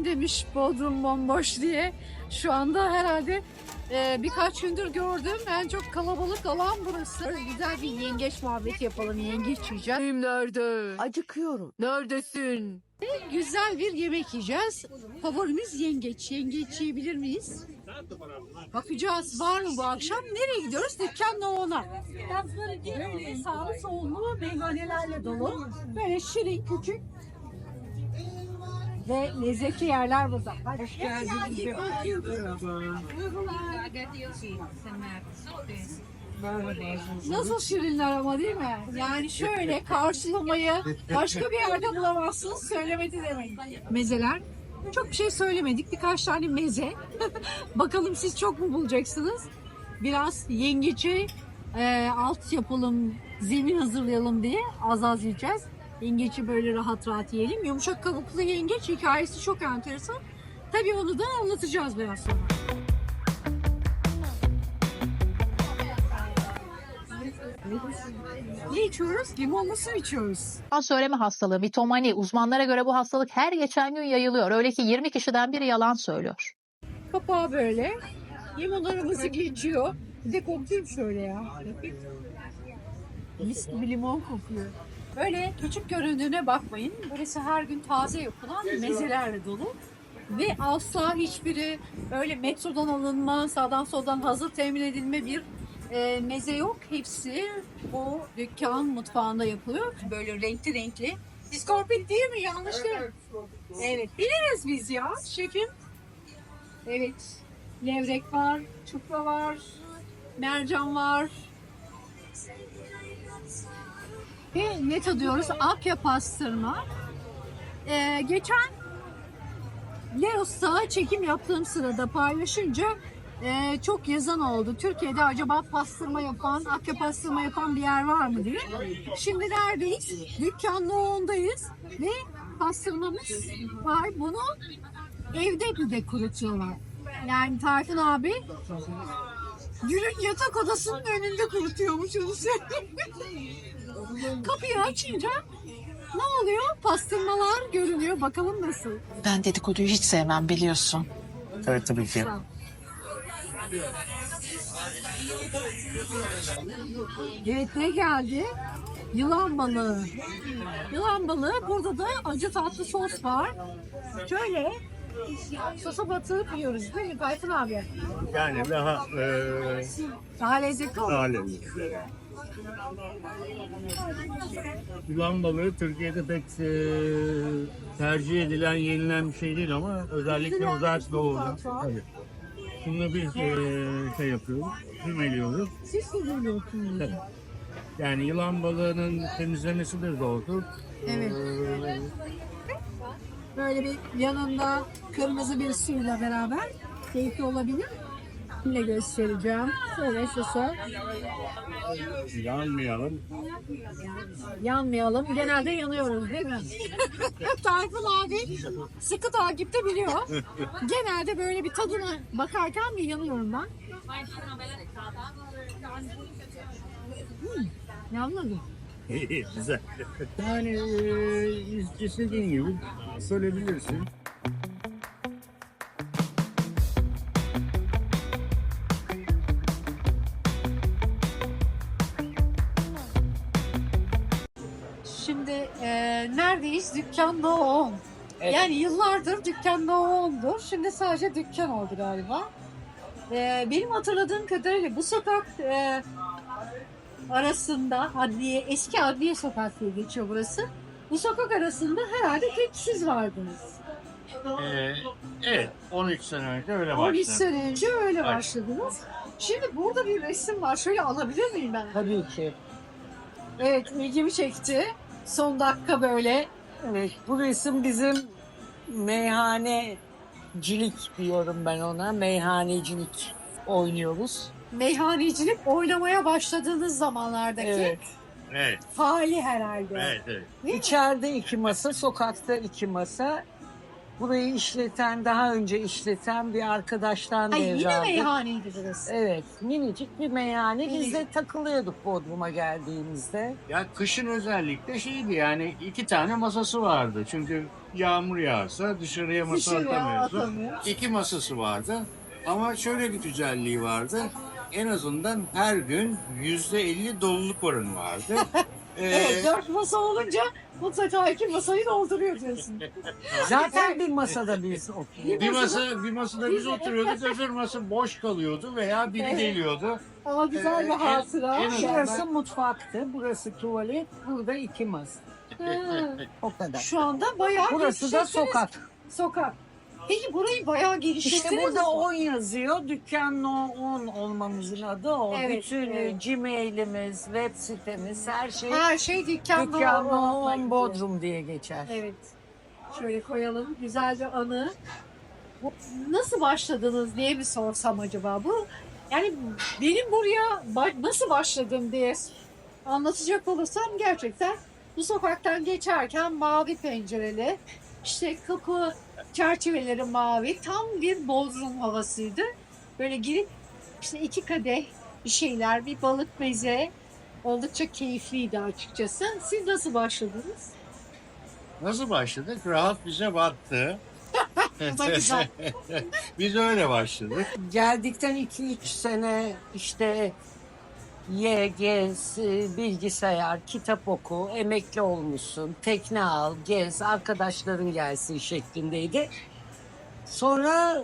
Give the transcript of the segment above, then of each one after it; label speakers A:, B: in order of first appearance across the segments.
A: kim demiş Bodrum bomboş diye. Şu anda herhalde birkaç gündür gördüm. En çok kalabalık alan burası. Güzel bir yengeç muhabbeti yapalım. Yengeç yiyeceğiz. Nerede?
B: Acıkıyorum.
A: Neredesin? Güzel bir yemek yiyeceğiz. Favorimiz yengeç. Yengeç yiyebilir miyiz? Bakacağız. Var mı bu akşam? Nereye gidiyoruz? Dükkan Noğon'a. Böyle sağlı sollu meyhanelerle dolu. Böyle şirin küçük ve lezzetli yerler burada. Hoş geldiniz. Nasıl şirinler ama değil mi? Yani şöyle karşılamayı başka bir yerde bulamazsınız. Söylemedi demeyin. Mezeler. Çok bir şey söylemedik. Birkaç tane meze. Bakalım siz çok mu bulacaksınız? Biraz yengeci alt yapalım, zemin hazırlayalım diye az az yiyeceğiz. Yengeci böyle rahat rahat yiyelim. Yumuşak kabuklu yengeç hikayesi çok enteresan. Tabii onu da anlatacağız biraz sonra. Ne içiyoruz? Limonlu su içiyoruz.
C: Yalan söyleme hastalığı, mitomani. Uzmanlara göre bu hastalık her geçen gün yayılıyor. Öyle ki 20 kişiden biri yalan söylüyor.
A: Kapağı böyle. Limonlarımızı geçiyor. Bir de koklayayım şöyle ya. Mis gibi limon kokuyor. Böyle küçük göründüğüne bakmayın. Burası her gün taze yapılan mezelerle dolu. Ve asla hiçbiri öyle metrodan alınma, sağdan soldan hazır temin edilme bir meze yok. Hepsi o dükkan mutfağında yapılıyor. Böyle renkli renkli. İskorpit değil mi? Yanlış değil. Evet. Biliriz biz ya şefim. Evet. Levrek var, çupra var, mercan var. Ve ne tadıyoruz? Akya pastırma. Geçen Leos'ta çekim yaptığım sırada paylaşınca çok yazan oldu. Türkiye'de acaba pastırma yapan, akya pastırma yapan bir yer var mı diye. Şimdi neredeyiz? Dükkan Noğon'dayız ve pastırmamız var. Bunu evde de kurutuyorlar. Yani Tayfun abi Gül'ün yatak odasının önünde kurutuyormuş onu söyleyeyim. Kapıyı açınca ne oluyor? Pastırmalar görünüyor. Bakalım nasıl?
B: Ben dedikoduyu hiç sevmem biliyorsun.
D: Evet tabii ki.
A: Evet ne geldi? Yılan balığı. Yılan balığı. Burada da acı tatlı sos var. Şöyle sosa batırıp yiyoruz değil mi Tayfun abi?
D: Yani daha
A: Daha lezzetli olur.
D: alem. Yılan balığı Türkiye'de pek tercih edilen, yenilen bir şey değil ama özellikle uzak doğuda. Tabii. Bunu biz şey yapıyoruz, kümeliyoruz.
A: Siz söylüyorsunuz.
D: Tabii. Yani yılan balığının temizlemesidir doğrudur.
A: Evet. Böyle bir yanında kırmızı bir suyla beraber keyifli olabilir. Yine göstereceğim. Şöyle sosa.
D: Yanmayalım.
A: Yanmayalım. Genelde yanıyoruz değil mi? Tayfun abi sıkı takipte biliyor. Genelde böyle bir tadına bakarken bir yanıyorum ben. Yanmadım.
D: İyi, güzel. Yani istediğin gibi söyleyebilirsin.
A: Şimdi neredeyiz? Dükkan Noğon.
B: Evet.
A: Yani yıllardır Dükkan Noğon'dur. Şimdi sadece dükkan oldu galiba. Benim hatırladığım kadarıyla bu sokak arasında eski adliye sokak diye geçiyor burası. Bu sokak arasında herhalde tek siz vardınız.
D: Evet, 13 sene önce öyle
A: 13
D: başladı.
A: sene önce öyle
D: Evet.
A: başladınız. Şimdi burada bir resim var. Şöyle alabilir miyim ben?
B: Tabii ki.
A: Evet, ilgimi çekti. Son dakika böyle.
B: Evet, bu resim bizim meyhanecilik diyorum ben ona. Meyhanecilik oynuyoruz.
A: Meyhanecilik oynamaya başladığınız zamanlardaki
B: Evet.
D: Evet,
A: hali herhalde.
D: evet, evet.
A: Değil mi?
B: İçeride 2 masa, sokakta 2 masa. Burayı daha önce işleten bir arkadaştan
A: Ay, yine
B: devraldık.
A: meyhaneydi burası.
B: Evet, minicik bir meyhane. Biz de
A: Minicik.
B: takılıyorduk Bodrum'a geldiğimizde.
D: Ya kışın özellikle şeydi yani 2 tane masası vardı. Çünkü yağmur yağsa dışarıya masa
A: Dışarıya
D: atamıyordu.
A: atamıyor.
D: 2 masası vardı. Ama şöyle bir güzelliği vardı. En azından her gün %50 doluluk oranı vardı.
A: Evet, 4 masa olunca mutlaka 2 masayı dolduruyor diyorsun.
B: Zaten bir masada biz oturuyorduk.
D: Bir masada biz oturuyorduk, öbür masa boş kalıyordu veya biri
A: Evet.
D: geliyordu.
A: Ama güzel bir hatıra.
D: en azından-
B: Şurası mutfaktı, burası tuvalet, burada 2 masa.
A: Ha,
B: O kadar.
A: Şu anda bayağı
B: Burası da
A: geliştirdiniz.
B: sokak.
A: Sokak. Peki burayı bayağı geliştirdiniz
B: İşte burada
A: mi?
B: 10 yazıyor. Dükkan No 10 olmamızın adı o.
A: Evet,
B: Bütün
A: evet.
B: Gmail'imiz, web sitemiz, her şey
A: Her şey dükkanda
B: Dükkan No
A: olmakla
B: 10
A: ilgili.
B: Bodrum diye geçer.
A: Evet. Şöyle koyalım. Güzel bir anı. Nasıl başladınız diye bir sorsam acaba bu? Yani benim buraya nasıl başladım diye anlatacak olursam gerçekten bu sokaktan geçerken mavi pencereli, işte kapı çerçeveleri mavi, tam bir Bodrum havasıydı. Böyle girip işte 2 kadeh bir şeyler, bir balık meze, oldukça keyifliydi açıkçası. Siz nasıl başladınız?
D: Nasıl başladık? Rahat bize battı.
A: Bu da güzel.
D: Biz öyle başladık.
B: Geldikten 2-3 sene işte ye, gez, bilgisayar, kitap oku, emekli olmuşsun, tekne al, gez, arkadaşların gelsin şeklindeydi. Sonra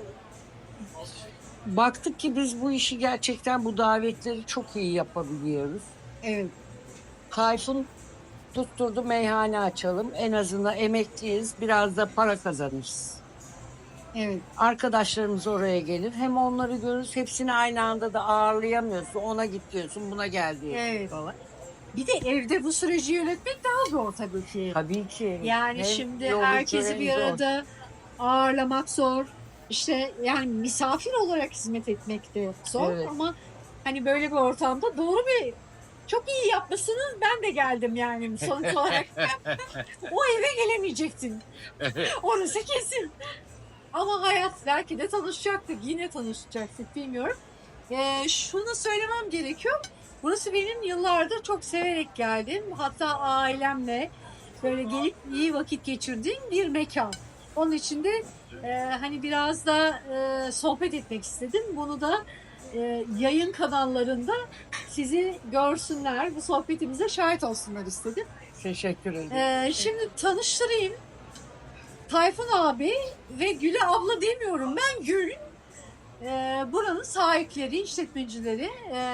B: baktık ki biz bu işi gerçekten bu davetleri çok iyi yapabiliyoruz.
A: Evet.
B: Tayfun tutturdu meyhane açalım. En azından emekliyiz. Biraz da para kazanırız.
A: Evet.
B: Arkadaşlarımız oraya gelir. Hem onları görürüz. Hepsini aynı anda da ağırlayamıyorsun. Ona git diyorsun, buna gel diyorsun
A: Evet.
B: falan.
A: Bir de evde bu süreci yönetmek daha zor tabii ki.
B: Tabii ki.
A: Yani
B: Hem
A: şimdi
B: yorucu
A: herkesi
B: hem
A: bir
B: zor.
A: arada ağırlamak zor. İşte yani misafir olarak hizmet etmek de zor
B: Evet.
A: ama hani böyle bir ortamda doğru bir çok iyi yapmışsınız. Ben de geldim yani sonuç olarak. O eve gelemeyecektin. Orası kesin. Ama hayat belki de tanışacaktık. Yine tanışacaktık bilmiyorum. Şunu söylemem gerekiyor. Burası benim yıllardır çok severek geldim. Hatta ailemle böyle gelip iyi vakit geçirdiğim bir mekan. Onun için de hani biraz da sohbet etmek istedim. Bunu da yayın kanallarında sizi görsünler, bu sohbetimize şahit olsunlar istedim.
B: Teşekkür ederim.
A: Şimdi tanıştırayım. Tayfun abi ve Gül'e abla demiyorum. Ben Gül. Buranın sahipleri, işletmecileri.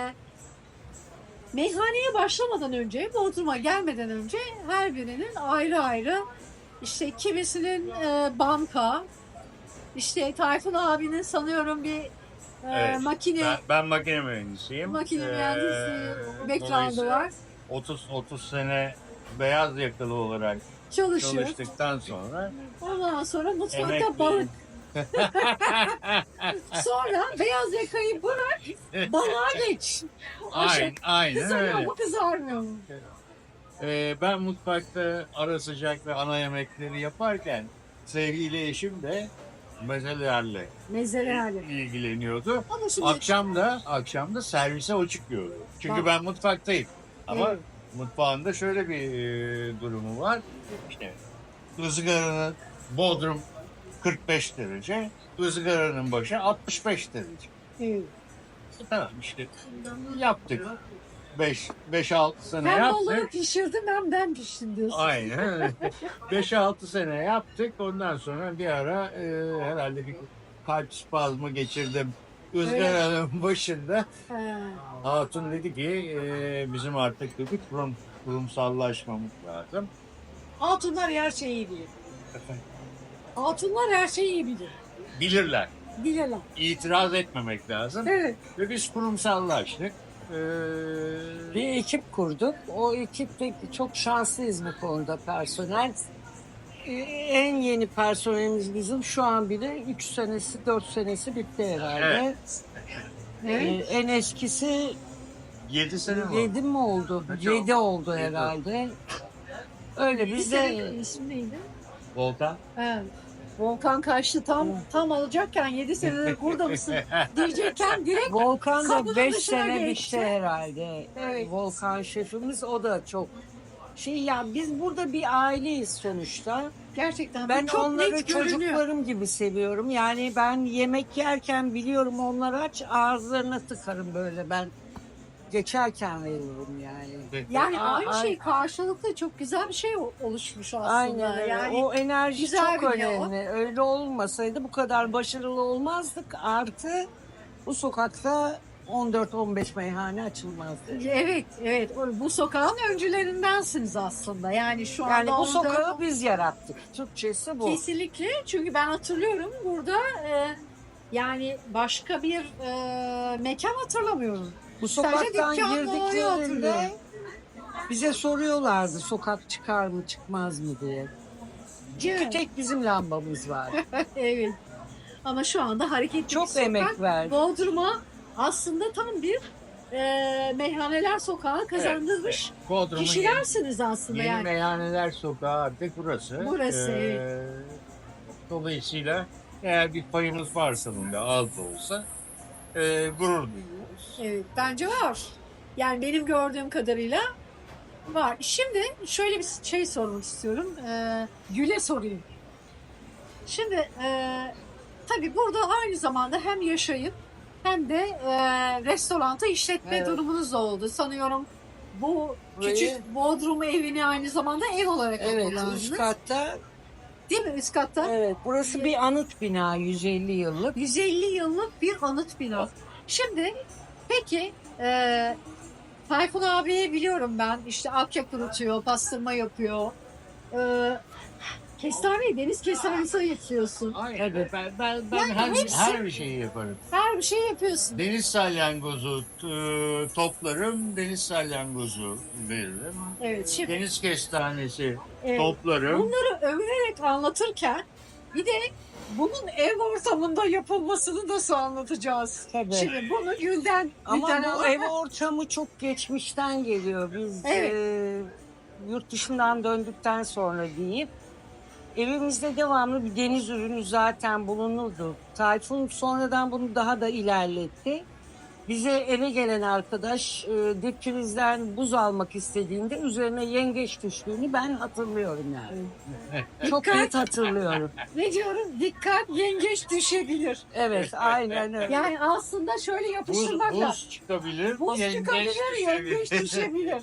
A: Meyhaneye başlamadan önce, Bodrum'a gelmeden önce her birinin ayrı ayrı işte kimisinin banka, işte Tayfun abinin sanıyorum bir
D: Evet,
A: makine
D: Ben makine mühendisiyim.
A: mühendisi background'ı
D: Dolayısıyla
A: var.
D: 30 sene beyaz yakalı olarak
A: Çalışıyor.
D: çalıştıktan sonra
A: Ondan sonra mutfakta
D: emekliyim.
A: balık. Sonra beyaz yakayı bırak, balığa geç.
D: Aynen
A: Kızarıyor
D: öyle.
A: mu kızarmıyor mu?
D: Ben mutfakta ara sıcak ve ana yemekleri yaparken sevgili eşim de mezelerle
A: Mezelerle.
D: ilgileniyordu.
A: Ama şimdi
D: Akşam da servise o çıkıyordu. Çünkü
A: Bak.
D: ben mutfaktayım. Ama
A: Evet.
D: mutfağında şöyle bir durumu var. İşte ızgaranın Bodrum 45 derece, ızgaranın başı 65 derece.
A: evet.
D: Tamam işte yaptık. 5-6 sene
A: Hem balığı
D: yaptık.
A: pişirdim hem ben piştim diyorsun.
D: Aynen öyle. 5-6 sene yaptık. Ondan sonra bir ara herhalde bir kalp spazmı geçirdim. Izgaranın başında.
A: He.
D: Hatun dedi ki bizim artık dedi kurumsallaşmamız lazım.
A: Hatunlar her şeyi iyi bilir. Hatunlar her şeyi iyi bilir.
D: Bilirler.
A: Bilirler.
D: İtiraz etmemek lazım.
A: Evet.
D: Ve biz kurumsallaştık.
B: Bir ekip kurduk. O ekipte çok şanslıyız bu konuda personel. En yeni personelimiz bizim şu an bile 3 senesi 4 senesi bitti herhalde.
A: Evet.
B: En eskisi
D: 7 sene mi?
B: 7 mi oldu?
D: Kaç
B: 7
D: oldu?
B: oldu
D: Yedi.
B: herhalde. Öyle biz de
A: İsim neydi?
D: Volkan.
A: Evet. Volkan kaçtı tam alacakken 7 senedir burada mısın diyecekken direkt
B: Volkan
A: kapının
B: da 5
A: dışına
B: sene
A: geçti.
B: bitti herhalde.
A: Evet.
B: Volkan şefimiz, o da çok ya, biz burada bir aileyiz sonuçta.
A: gerçekten
B: Ben
A: bu çok
B: onları
A: net görünüyor.
B: çocuklarım gibi seviyorum. Yani ben yemek yerken biliyorum onlar aç, ağızlarına tıkarım böyle, ben geçerken veriyorum yani.
A: Yani aynı
B: Ay-
A: şey karşılıklı çok güzel bir şey oluşmuş aslında.
B: Aynen öyle.
A: Yani
B: O enerji
A: güzel
B: çok
A: bir yol.
B: önemli. Öyle olmasaydı bu kadar başarılı olmazdık. Artı bu sokakta 14-15 meyhane açılmazdı.
A: evet. Bu sokağın öncülerindensiniz aslında. Yani şu anda
B: Yani bu
A: orada-
B: sokağı biz yarattık. Türkçesi bu.
A: kesinlikle. Çünkü ben hatırlıyorum burada yani başka bir mekan hatırlamıyorum.
B: Bu
A: Sadece
B: sokaktan
A: dükkanlı
B: girdiklerinde
A: hatırlıyorum.
B: bize soruyorlardı sokak çıkar mı çıkmaz mı diye. Çünkü tek bizim lambamız var.
A: Evet. Ama şu anda hareketli
B: Çok
A: bir sokak.
B: emek verdik.
A: Bodrum'a aslında tam bir meyhaneler sokağı kazandırmış
D: Bodrum'un
A: kişilersiniz aslında
D: yeni
A: yani.
D: meyhaneler sokağı artık burası.
A: Burası,
D: Dolayısıyla eğer bir payımız varsa bunda, az da olsa gurur duyuyoruz.
A: Evet, bence var. Yani benim gördüğüm kadarıyla var. Şimdi şöyle bir şey sormak istiyorum. Gül'e sorayım. Şimdi tabii burada aynı zamanda hem yaşayıp hem de restoranta işletme
B: Evet.
A: durumunuz da oldu. Sanıyorum bu
B: Burayı-
A: küçük Bodrum evini aynı zamanda ev olarak
B: Evet,
A: kullandınız.
B: üst katta.
A: Değil mi üst katta?
B: Evet, burası bir anıt bina, 150 yıllık.
A: 150 yıllık bir anıt bina. Şimdi peki Tayfun abiyi biliyorum ben. İşte akyap kurutuyor, pastırma yapıyor. Kestaneyi deniz kestanesi yapıyorsun.
B: Evet.
D: Ben
A: Yani
D: her bir şeyi yaparım.
A: Her bir şey yapıyorsun.
D: Deniz salyangozu toplarım, deniz salyangozu veririm.
A: Evet şimdi
D: Deniz kestanesi
A: evet,
D: toplarım.
A: bunları övünerek anlatırken bir de bunun ev ortamında yapılmasını nasıl anlatacağız?
B: Tabii.
A: Şimdi bunu Gül'den
B: Ama bu
A: alalım.
B: ev ortamı çok geçmişten geliyor. Biz
A: Evet.
B: yurt dışından döndükten sonra diyeyim. Evimizde devamlı bir deniz ürünü zaten bulunurdu. Tayfun sonradan bunu daha da ilerletti. Bize eve gelen arkadaş dipçimizden buz almak istediğinde üzerine yengeç düştüğünü ben hatırlıyorum yani. Çok net hatırlıyorum.
A: Ne diyorum? Dikkat yengeç düşebilir.
B: Evet, aynen öyle.
A: Yani aslında şöyle yapıştırmakla.
D: Buz çıkabilir,
A: Buz
D: yengeç
A: çıkabilir, yengeç düşebilir.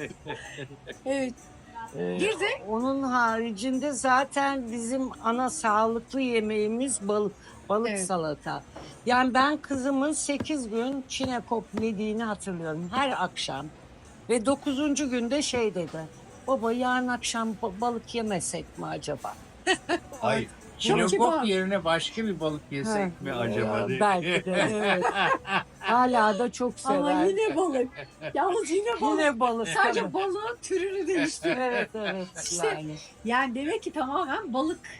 A: Evet. Bir de
B: Onun haricinde zaten bizim ana sağlıklı yemeğimiz balık. Balık
A: Evet.
B: salata. Yani ben kızımın 8 gün çinekop yediğini hatırlıyorum her akşam. Ve 9. günde şey dedi. Baba yarın akşam balık yemesek mi acaba?
D: Hayır.
A: kibar.
D: Çinekop yerine başka bir balık
B: Ha,
D: yesek mi acaba?
B: ya,
D: diye.
B: belki de evet. Hala da çok sever.
A: ama yine balık. Yalnız yine balık.
B: Yine balık.
A: Sadece balığın türünü değişti.
B: Evet evet
A: İşte-
B: yani.
A: Yani demek ki tamamen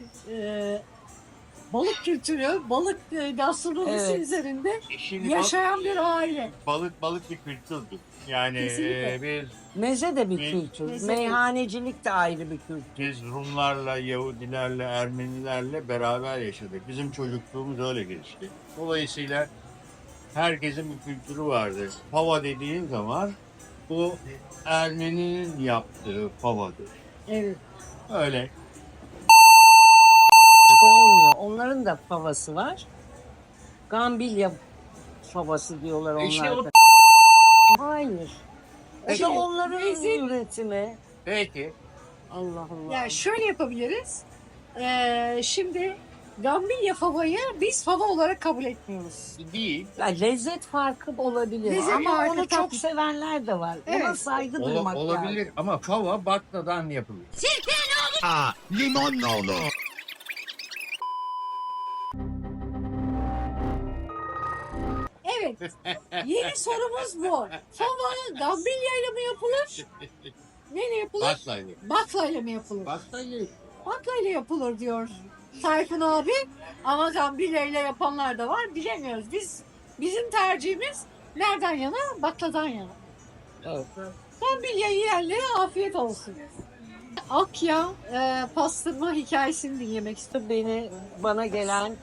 A: balık kültürü, balık gastronomisi
B: Evet.
A: üzerinde
D: Şimdi
A: yaşayan bir aile.
D: balık bir kültürdür. Yani
A: Kesinlikle.
D: bir
B: Meze de bir
D: Me-
B: kültür.
A: Meze.
B: Meyhanecilik de ayrı bir kültür.
D: biz Rumlarla, Yahudilerle, Ermenilerle beraber yaşadık. Bizim çocukluğumuz öyle geçti. Dolayısıyla herkesin bir kültürü vardır. Pava dediğin zaman bu Ermeni'nin yaptığı pavadır.
A: Evet.
D: Öyle.
B: Olmuyor. Onların da favası var. Gambilya favası diyorlar
D: İşte
B: onlar
D: o-
B: da. Hayır. O
D: Peki.
B: da onların
A: Lezzet-
B: üretimi.
D: Peki.
B: Allah Allah.
A: Yani şöyle yapabiliriz. Şimdi Gambilya favayı biz fava olarak kabul etmiyoruz.
D: Değil.
B: Ya lezzet farkı olabilir
A: Lezzet
B: ama
A: farkı
B: onu
A: tabii.
B: çok sevenler de var. Ona
A: Evet.
B: saygı duymak
D: Olabilir
B: lazım.
D: ama fava bakladan yapılır.
E: Limonla olur.
A: Evet. Yeni sorumuz bu. Fava Gambilya ile mi yapılır? Neyle yapılır?
D: Baklayla.
A: Baklayla mı yapılır?
D: Baklayla.
A: Baklayla yapılır diyor Tayfun abi. Ama Gambilya ile yapanlar da var. Bilemiyoruz. Bizim tercihimiz nereden yana? Bakladan yana.
B: Evet.
A: Gambilya yiyenlere afiyet olsun. Akya pastırma hikayesini dinlemek istiyorum.
B: Bana gelen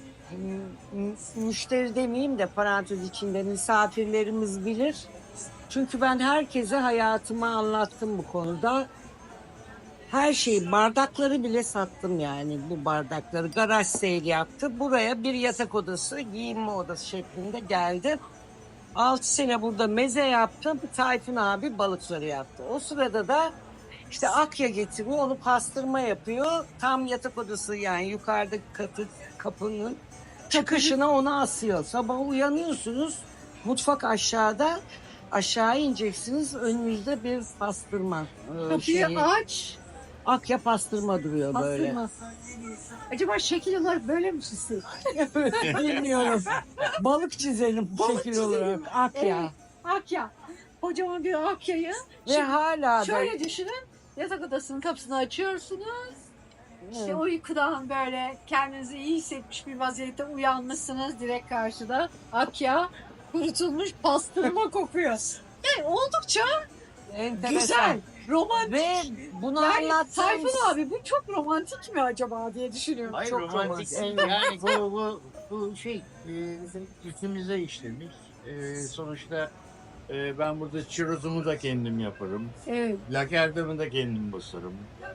B: müşteri demeyeyim de parantez içinde misafirlerimiz bilir. Çünkü ben herkese hayatımı anlattım bu konuda. Her şeyi, bardakları bile sattım yani, bu bardakları. Garaj sale yaptı. Buraya bir yatak odası, giyinme odası şeklinde geldi. 6 sene burada meze yaptım. Tayfun abi balıkları yaptı. O sırada da işte Akya getiriyor, onu pastırma yapıyor. Tam yatak odası yani yukarıdaki kapının çıkışına onu asıyor. Sabah uyanıyorsunuz, mutfak aşağıda. Aşağı ineceksiniz, önünüzde bir pastırma.
A: Kapıyı aç.
B: Akya pastırma duruyor böyle.
A: Pastırma. Acaba şekil olarak böyle mi çizsin?
B: Bilmiyorum. Balık çizelim
A: Balık
B: şekil
A: çizelim.
B: olarak. Akya.
A: Evet, Akya. Kocaman bir Akya'yı.
B: Ve hala da
A: Şöyle düşünün. Yatak odasının kapısını açıyorsunuz. İşte uykudan böyle kendinizi iyi hissetmiş bir vaziyette uyanmışsınız. Direkt karşıda Akya kurutulmuş pastırma kokuyor. Yani oldukça
B: enteresan.
A: güzel, romantik.
B: Ve bunu
A: Yani
B: anlattığımız...
A: Tayfun abi bu çok romantik mi acaba diye düşünüyorum.
D: Hayır,
B: Çok
D: romantik
B: romantik.
D: değil. Yani bu şey bizim içimize işlemiş. Sonuçta ben burada çirozumu da kendim yaparım.
A: Evet.
D: Lakerdamı da kendim basarım.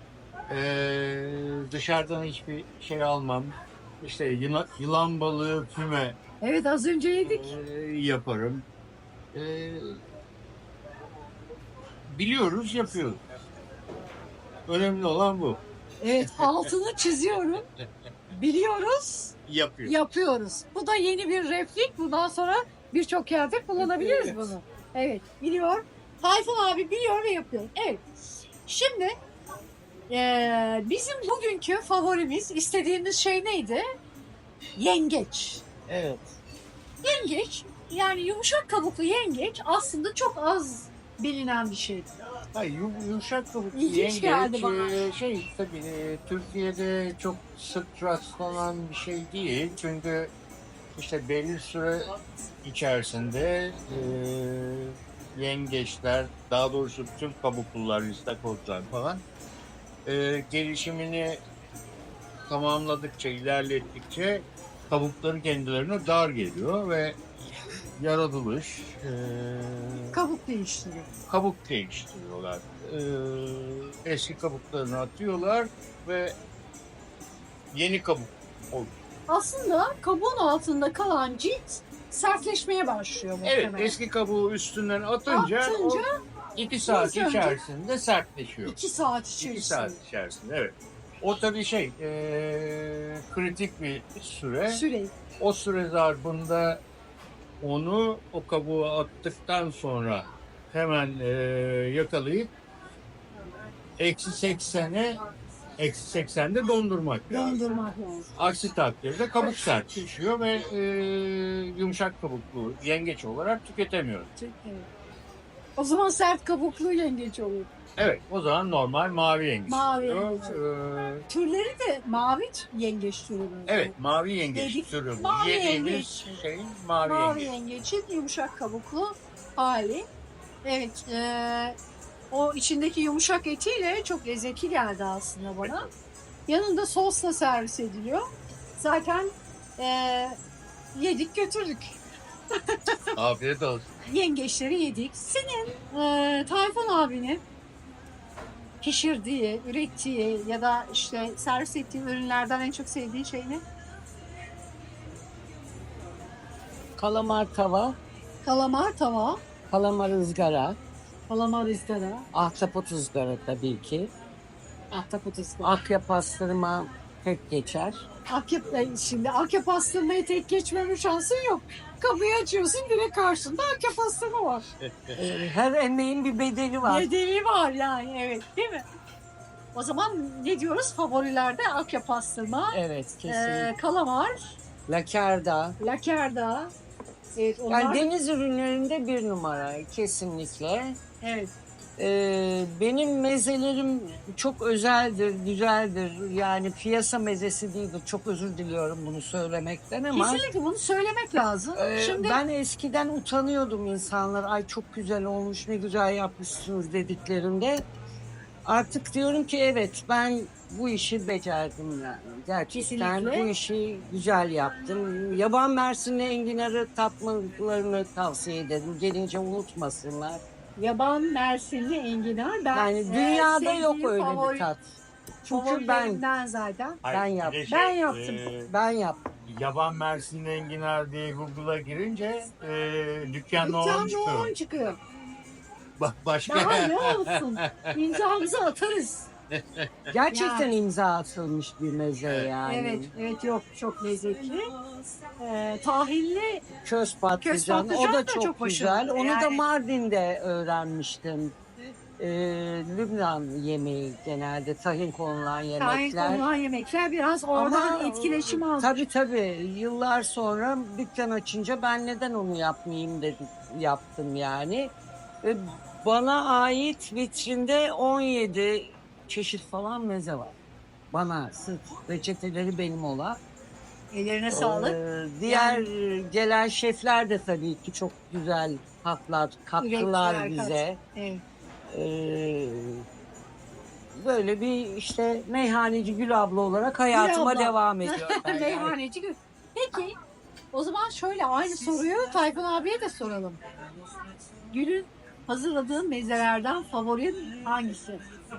D: Dışarıdan hiçbir şey almam. İşte yılan balığı, füme
A: Evet, az önce yedik.
D: yaparım. Biliyoruz, yapıyoruz. Önemli olan bu.
A: Evet, altını çiziyorum. Biliyoruz,
D: Yapıyoruz.
A: yapıyoruz. Bu da yeni bir replik. Bundan sonra birçok yerde kullanabiliriz
D: Evet.
A: bunu. Evet, biliyor. Tayfun abi biliyor ve yapıyor. Evet. Şimdi bizim bugünkü favorimiz, istediğimiz şey neydi? Yengeç.
B: Evet.
A: Yengeç, yani yumuşak kabuklu yengeç aslında çok az bilinen bir şey.
D: Hayır, yumuşak kabuklu
A: İlginç
D: yengeç
A: geldi bana.
D: tabii Türkiye'de çok sık rastlanan bir şey değil. Çünkü işte belli süre içerisinde yengeçler, daha doğrusu tüm kabuklular, istakozlar falan gelişimini tamamladıkça, ilerlettikçe kabukları kendilerine dar geliyor ve yaratılış
A: Kabuk değiştiriyor.
D: kabuk değiştiriyorlar. Eski kabuklarını atıyorlar ve yeni kabuk oluyor.
A: Aslında kabuğun altında kalan cilt sertleşmeye başlıyor
D: Evet,
A: muhtemelen.
D: eski kabuğu üstünden atınca, o 2 saat
A: ilk önce-
D: içerisinde sertleşiyor.
A: 2 saat
D: 2
A: içerisinde.
D: saat içerisinde, evet. O tabii kritik bir süre.
A: Süre.
D: O süre zarfında onu o kabuğa attıktan sonra hemen yakalayıp eksi 80'de dondurmak lazım.
A: Dondurmak lazım.
D: Aksi takdirde kabuk sertleşiyor ve yumuşak kabuklu yengeç olarak tüketemiyoruz.
A: Evet. O zaman sert kabuklu yengeç olur.
D: Evet, o zaman normal mavi yengeç.
A: Mavi
D: oluyor.
A: yengeç. Türleri de mavi yengeç türü. böyle.
D: Evet, mavi yengeç
A: Dedik,
D: türü bu.
A: mavi
D: Yediğimiz
A: yengeç.
D: şeyin mavi
A: Mavi
D: yengeç.
A: yengeçin yumuşak kabuklu hali. Evet, o içindeki yumuşak etiyle çok lezzetli geldi aslında bana. Yanında sosla servis ediliyor. Zaten yedik götürdük.
D: Afiyet olsun.
A: Yengeçleri yedik. Senin Tayfun abinin pişirdiği, ürettiği ya da işte servis ettiği ürünlerden en çok sevdiğin şey ne?
B: Kalamar tava,
A: Kalamar tava,
B: kalamar ızgara,
A: kalamar ızgara,
B: ahtapot ızgara tabii ki.
A: ahtapot ızgara.
B: Akya pastırma tek geçer.
A: Şimdi akya pastırmayı tek geçmeme şansın yok. Kapıyı açıyorsun, direkt karşında akya pastırma var.
B: Her emeğin bir bedeli var.
A: Nedeni var yani, evet, değil mi? O zaman ne diyoruz? Favorilerde akya pastırma,
B: Evet, kesinlikle.
A: kalamar,
B: Lakerda.
A: lakerda. Evet, onlar.
B: Yani deniz ürünlerinde bir numara kesinlikle.
A: Evet.
B: Benim mezelerim çok özeldir, güzeldir. Yani piyasa mezesi değildir. Çok özür diliyorum bunu söylemekten ama.
A: Kesinlikle bunu söylemek lazım. Şimdi
B: Ben eskiden utanıyordum insanlar. Ay çok güzel olmuş, ne güzel yapmışsınız dediklerinde. Artık diyorum ki evet, ben bu işi becerdim yani. Gerçekten
A: Kesinlikle.
B: bu işi güzel yaptım. Yaban mersinli enginarı tatmalarını tavsiye ederim. Gelince unutmasınlar.
A: Yaban mersinli enginar.
B: Yani dünyada yok
A: sevdiğim
B: öyle bir tat. Çünkü ben
A: favorilerimden zaten.
B: Ben yaptım.
A: Ben yaptım.
B: ben yaptım.
D: Yaban Mersinli enginar diye Google'a girince dükkan nohum
A: Dükkan
D: çıkıyor.
A: nohum çıkıyor.
D: Başka
A: Daha ne olsun? İmzamızı atarız.
B: Gerçekten imza atılmış bir meze yani.
A: Evet, evet yok çok lezzetli. Tahinli
B: Köz patlıcan,
A: patlıcan
B: o
A: da
B: da çok,
A: çok
B: güzel.
A: başarılı.
B: Onu da
A: Yani-
B: Mardin'de öğrenmiştim. Lübnan yemeği genelde tahin konulan
A: tahin
B: yemekler.
A: konulan yemekler biraz oradan etkileşim almış.
B: Tabii yıllar sonra dükkan açınca ben neden onu yapmayayım dedim, yaptım yani. Bana ait vitrinde 17 çeşit falan meze var. Bana sırf reçeteleri benim olan.
A: Ellerine sağlık.
B: Diğer gelen şefler de tabii ki çok güzel hatlar kattılar
A: Ürettiler,
B: bize.
A: Evet.
B: Ee, Böyle bir işte meyhaneci Gül abla olarak hayatıma
A: Gül abla.
B: devam ediyorum. ben yani.
A: Meyhaneci Gül. Peki o zaman şöyle aynı soruyu Tayfun abiye de soralım. Gül'ün hazırladığı mezelerden favorin hangisi?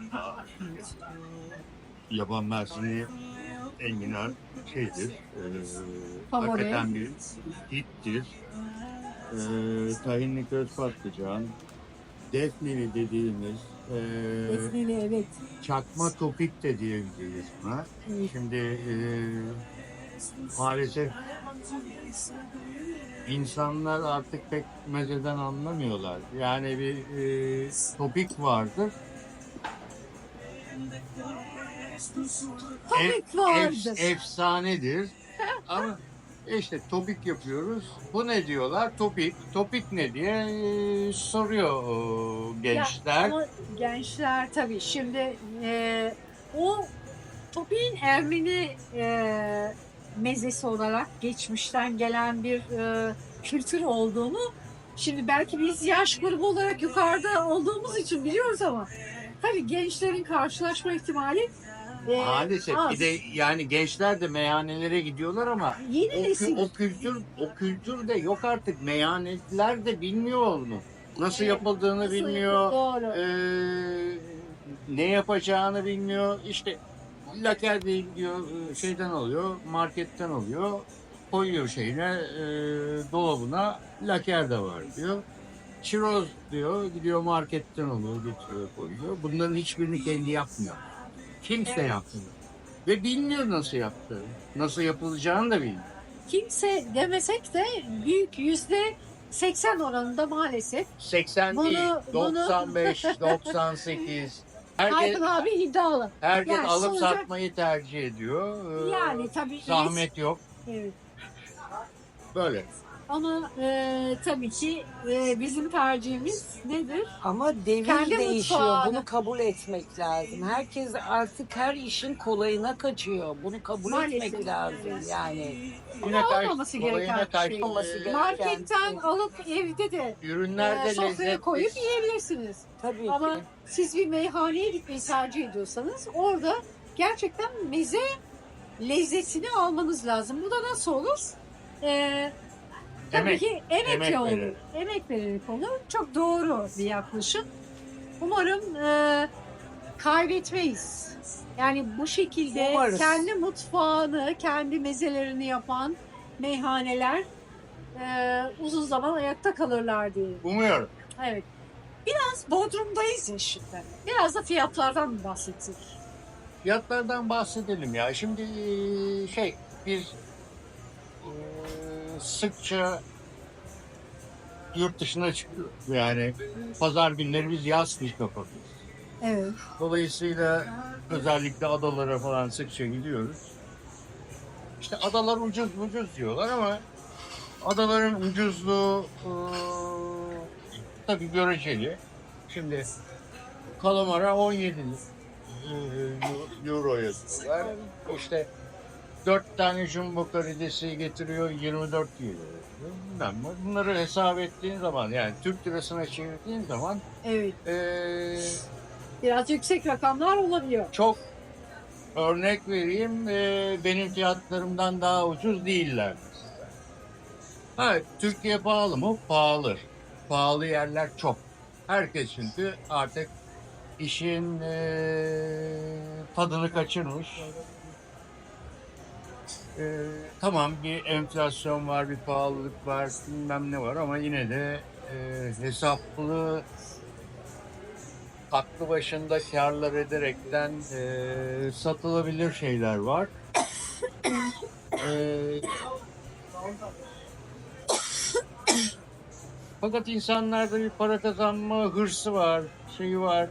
D: Yaban Mersinli enginar şeydir.
A: Favori.
D: Hakikaten bir hittir. Tahinli köz patlıcan, defneli dediğimiz,
A: Defneli evet.
D: çakma topik de diyebiliriz buna.
A: Evet.
D: Şimdi maalesef insanlar artık pek mezeden anlamıyorlar. Yani bir topik vardır.
A: Topik vardır.
D: Efsanedir. Ama işte topik yapıyoruz. Bu ne diyorlar? Topik. Topik ne diye soruyor gençler.
A: Ama gençler tabii şimdi o Topi'nin Ermeni mezesi olarak geçmişten gelen bir kültür olduğunu şimdi belki biz yaş grubu olarak yukarıda olduğumuz için biliyoruz ama tabii gençlerin karşılaşma ihtimali
D: Maalesef
A: az.
D: bir de yani gençler de meyhanelere gidiyorlar ama
A: Yeni nesil.
D: o kültür de yok artık. Meyhaneler de bilmiyor onu. Nasıl yapıldığını
A: Nasıl
D: bilmiyor.
A: Doğru.
D: Ne yapacağını bilmiyor. İşte laker değil diyor, şeyden alıyor, marketten alıyor, koyuyor şeyine, dolabına, laker de var diyor. Çiroz diyor, gidiyor marketten alıyor, getiriyor, koyuyor. Bunların hiçbirini kendi yapmıyor. Kimse yapmıyor. Ve bilmiyor nasıl yaptığını. Nasıl yapılacağını da bilmiyor.
A: Kimse demesek de büyük %80 oranında maalesef
D: 80
A: Bunu-
D: değil,
A: bunu-
D: 95, 98. Herkes,
A: Tayfun abi iddialı.
D: herkes
A: Yani
D: alıp
A: sonuca-
D: satmayı tercih ediyor.
A: Yani tabii
D: Zahmet yok.
A: Evet.
D: Böyle.
A: Ama tabii ki bizim tercihimiz nedir?
B: Ama devir
A: Kendi
B: değişiyor.
A: mutfağını-
B: Bunu kabul etmek lazım. Herkes artık her işin kolayına kaçıyor. Bunu kabul
A: Maalesef.
B: etmek lazım yani.
D: Yine ters-
A: olmaması
D: kolayına
A: gereken bir
D: ters-
A: şey.
B: Olması gereken
A: Marketten
B: şey.
A: alıp evde de
D: Ürünler de
A: sofraya
D: lezzetli.
A: koyup yiyebilirsiniz.
B: Tabii
A: Ama
B: ki.
A: siz bir meyhaneye gitmeyi tercih ediyorsanız orada gerçekten meze lezzetini almanız lazım. Bu da nasıl olur? Tabii
D: Emek.
A: ki emekle
D: Emek
A: olur.
D: vererek.
A: Emek vererek olur. Çok doğru bir yaklaşım. Umarım kaybetmeyiz. Yani bu şekilde
B: Umarız.
A: kendi mutfağını, kendi mezelerini yapan meyhaneler uzun zaman ayakta kalırlar diye.
D: Umuyorum.
A: Evet. Biraz Bodrum'dayız ya şimdi. Biraz da fiyatlardan mı bahsettik?
D: Fiyatlardan bahsedelim ya. Şimdi biz sıkça yurt dışına çıkıyoruz. Yani pazar günleri biz yaz iş kapatıyoruz.
A: Evet.
D: Dolayısıyla özellikle adalara falan sıkça gidiyoruz. İşte adalar ucuz diyorlar ama adaların ucuzluğu tabii göreceli. Şimdi kalamara 17 euro yazıyorlar. İşte 4 tane jumbo karidesi getiriyor 24 euro. Bilmem ne. Bunları hesap ettiğin zaman yani Türk lirasına çevirdiğin zaman
A: Evet. Biraz yüksek rakamlar olabiliyor.
D: Çok örnek vereyim, benim fiyatlarımdan daha ucuz değiller. Ha, Türkiye pahalı mı? Pahalı. Pahalı yerler çok. Herkes çünkü artık işin tadını kaçırmış. Tamam, bir enflasyon var, bir pahalılık var, bilmem ne var ama yine de hesaplı, aklı başında kârlar ederekten satılabilir şeyler var. Fakat insanlarda bir para kazanma hırsı var, şeyi var.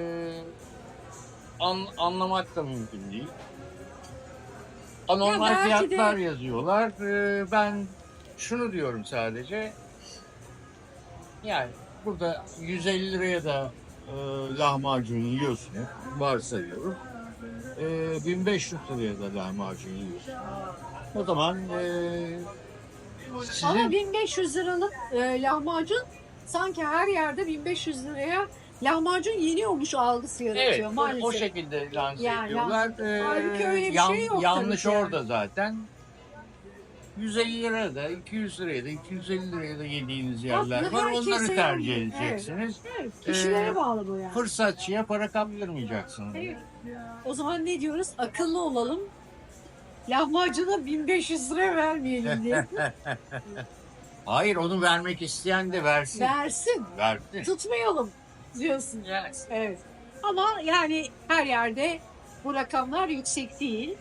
D: Anlamak da mümkün değil. Anormal
A: Ya belki de-
D: fiyatlar yazıyorlar. Ben şunu diyorum sadece. Yani burada 150 liraya da lahmacun yiyorsun, varsayıyorum. 1500 liraya da lahmacun yiyorsun. O zaman sizin
A: Ama 1500 liralık lahmacun sanki her yerde 1500 liraya lahmacun yeniyormuş algısı yaratıyor
D: evet,
A: maalesef.
D: o şekilde lanse
A: Yani
D: ediyorlar.
A: halbuki öyle bir şey yok
D: yanlış
A: tabii ki
D: orada zaten. 150 liraya da, 200 liraya da, 250 liraya da yediğiniz yerler
A: Aslında
D: var.
A: herkese
D: Onları tercih
A: yani.
D: edeceksiniz.
A: Evet, kişilere
D: Ee,
A: bağlı bu yani.
D: Fırsatçıya para kaptırmayacaksınız.
A: Evet. O zaman ne diyoruz? Akıllı olalım. Lahmacuna 1500 lira vermeyelim diye.
D: Hayır, onu vermek isteyen de versin.
A: Versin.
D: Versin.
A: Tutmayalım diyorsun.
D: Yes.
A: Evet. Ama yani her yerde bu rakamlar yüksek değil.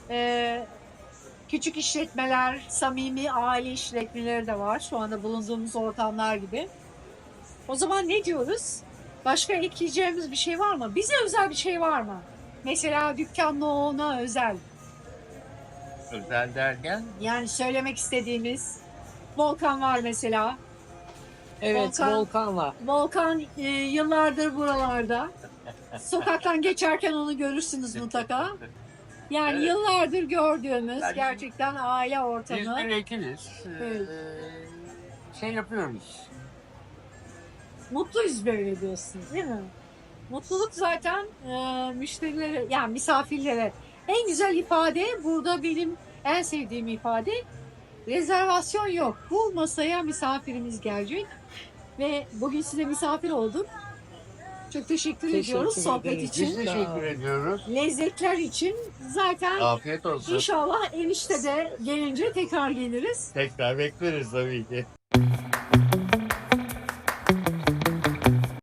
A: Küçük işletmeler, samimi aile işletmeleri de var. Şu anda bulunduğumuz ortamlar gibi. O zaman ne diyoruz? Başka ekleyeceğimiz bir şey var mı? Bize özel bir şey var mı? Mesela dükkanla ona özel.
D: Özel derken
A: Yani söylemek istediğimiz. Volkan var mesela.
B: Evet,
A: Volkan.
B: Volkan var.
A: Volkan yıllardır buralarda. Sokaktan geçerken onu görürsünüz mutlaka. Yani
D: Evet.
A: yıllardır gördüğümüz
D: Yani-
A: gerçekten aile
D: biz
A: ortamı.
D: bir ekibiz.
A: Evet.
D: Şey yapıyoruz.
A: Mutluyuz böyle diyorsun değil mi? Mutluluk zaten müşterilere yani misafirlere en güzel ifade burada benim en sevdiğim ifade rezervasyon yok. Bu masaya misafirimiz gelecek ve bugün size misafir olduk. Çok teşekkür ediyoruz
B: Teşekkür
A: sohbet
B: ederiz.
A: için.
D: Biz teşekkür ediyoruz.
A: Lezzetler için zaten
D: Afiyet olsun.
A: inşallah enişte de gelince tekrar geliriz.
D: Tekrar bekleriz tabii ki.